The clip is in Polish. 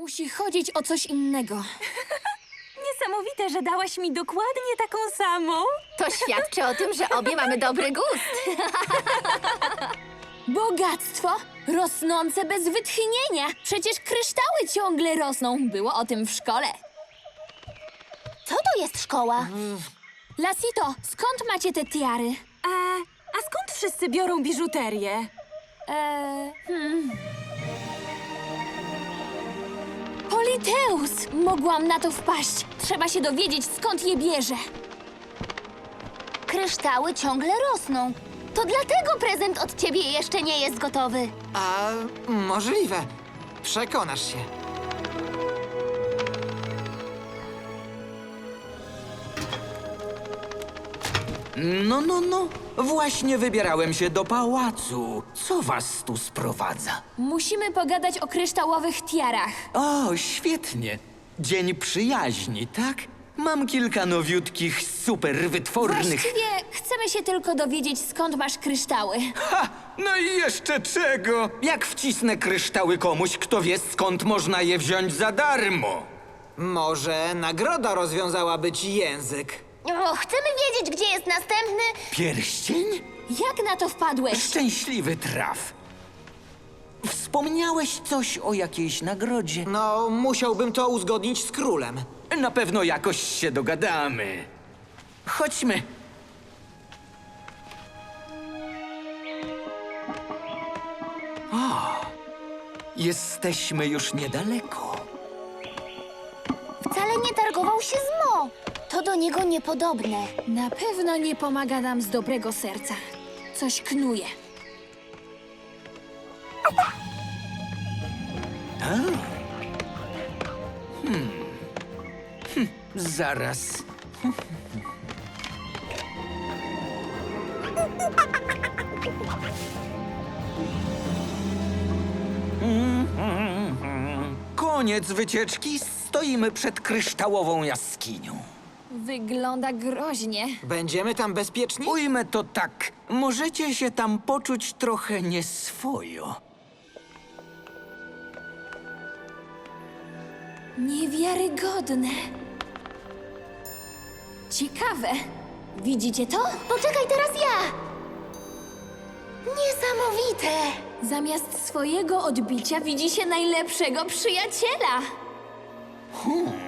Musi chodzić o coś innego. Niesamowite, że dałaś mi dokładnie taką samą. To świadczy o tym, że obie mamy dobry gust. Bogactwo rosnące bez wytchnienia. Przecież kryształy ciągle rosną. Było o tym w szkole. Co to jest szkoła? Lasito, skąd macie te tiary? A skąd wszyscy biorą biżuterię? Politeus! Mogłam na to wpaść. Trzeba się dowiedzieć, skąd je bierze. Kryształy ciągle rosną. To dlatego prezent od ciebie jeszcze nie jest gotowy. A możliwe. Przekonasz się. No. Właśnie wybierałem się do pałacu. Co was tu sprowadza? Musimy pogadać o kryształowych tiarach. O, świetnie. Dzień przyjaźni, tak? Mam kilka nowiutkich, super wytwornych... Właściwie chcemy się tylko dowiedzieć, skąd masz kryształy. Ha! No i jeszcze czego? Jak wcisnę kryształy komuś, kto wie, skąd można je wziąć za darmo? Może nagroda rozwiązałaby ci język. O, chcemy wiedzieć, gdzie jest następny... Pierścień? Jak na to wpadłeś? Szczęśliwy traf. Wspomniałeś coś o jakiejś nagrodzie? No, musiałbym to uzgodnić z królem. Na pewno jakoś się dogadamy. Chodźmy. O, jesteśmy już niedaleko. Wcale nie targował się z Mo. To do niego niepodobne. Na pewno nie pomaga nam z dobrego serca. Coś knuje. Zaraz. Koniec wycieczki. Stoimy przed kryształową jaskinią. Wygląda groźnie. Będziemy tam bezpieczni? Ujmę to tak. Możecie się tam poczuć trochę nieswojo. Niewiarygodne. Ciekawe. Widzicie to? Poczekaj, teraz ja! Niesamowite! Zamiast swojego odbicia widzi się najlepszego przyjaciela.